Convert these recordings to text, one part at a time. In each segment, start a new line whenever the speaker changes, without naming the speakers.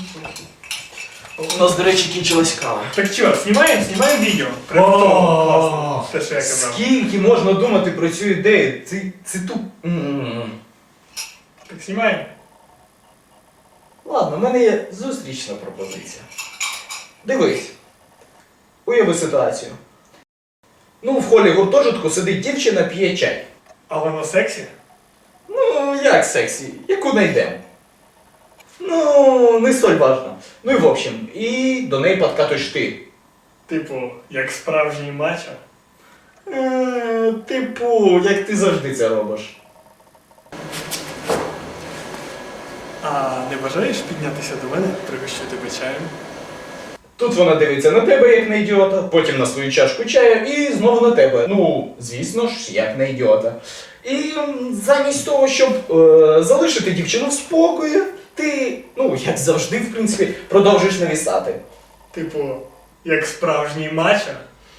У нас, до речі, кінчилась кава.
Так що, знімаємо відео? Класно. Те, що я казав.
Скільки можна думати про цю ідею? Це
Так знімаємо.
Ладно, в мене є зустрічна пропозиція. Дивись. Уяви ситуацію. Ну, в холі гуртожитку сидить дівчина, п'є чай.
Але на сексі?
Ну, як сексі? Яку найдемо? Ну, не столь важно. Ну і в общем, і до неї подкатуєш ти.
Типу, як справжній мачо.
Типу, як ти завжди це робиш.
А не бажаєш піднятися до мене, пригощу тебе чаєм?
Тут вона дивиться на тебе, як на ідіота, потім на свою чашку чаю і знову на тебе. Ну, звісно ж, як на ідіота. І замість того, щоб залишити дівчину в спокої, ти, ну, як завжди, в принципі, продовжуєш навісати.
Типу, як справжній мачо?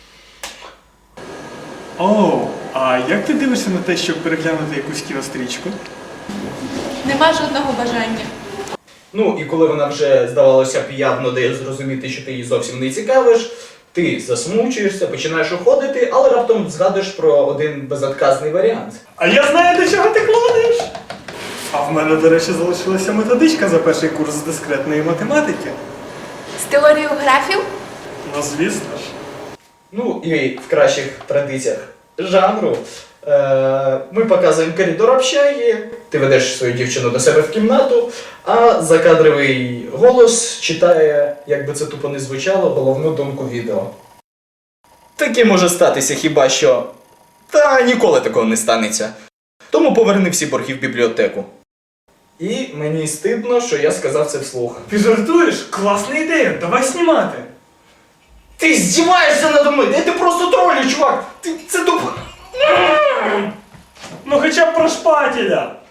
Оу, а як ти дивишся на те, щоб переглянути якусь кінострічку?
Нема жодного бажання.
Ну, і коли вона вже, здавалося б, явно дає зрозуміти, що ти її зовсім не цікавиш, ти засмучуєшся, починаєш уходити, але раптом згадуєш про один безотказний варіант.
А я знаю, до чого ти клониш! А в мене, до речі, залишилася методичка за перший курс з дискретної математики.
З теорією графів?
Ну, звісно ж.
Ну, і в кращих традиціях жанру ми показуємо коридор общаги, ти ведеш свою дівчину до себе в кімнату, а закадровий голос читає, як би це тупо не звучало, головну думку відео. Таке може статися хіба що. Та ніколи такого не станеться. Тому поверни всі борги в бібліотеку. І мені стидно, що я сказав це вслух.
Ти жартуєш? Класна ідея, давай знімати!
Ти здіваєшся надо мною! Я ти просто тролю, чувак! Це тупо...
Ну хоча б про шпателя!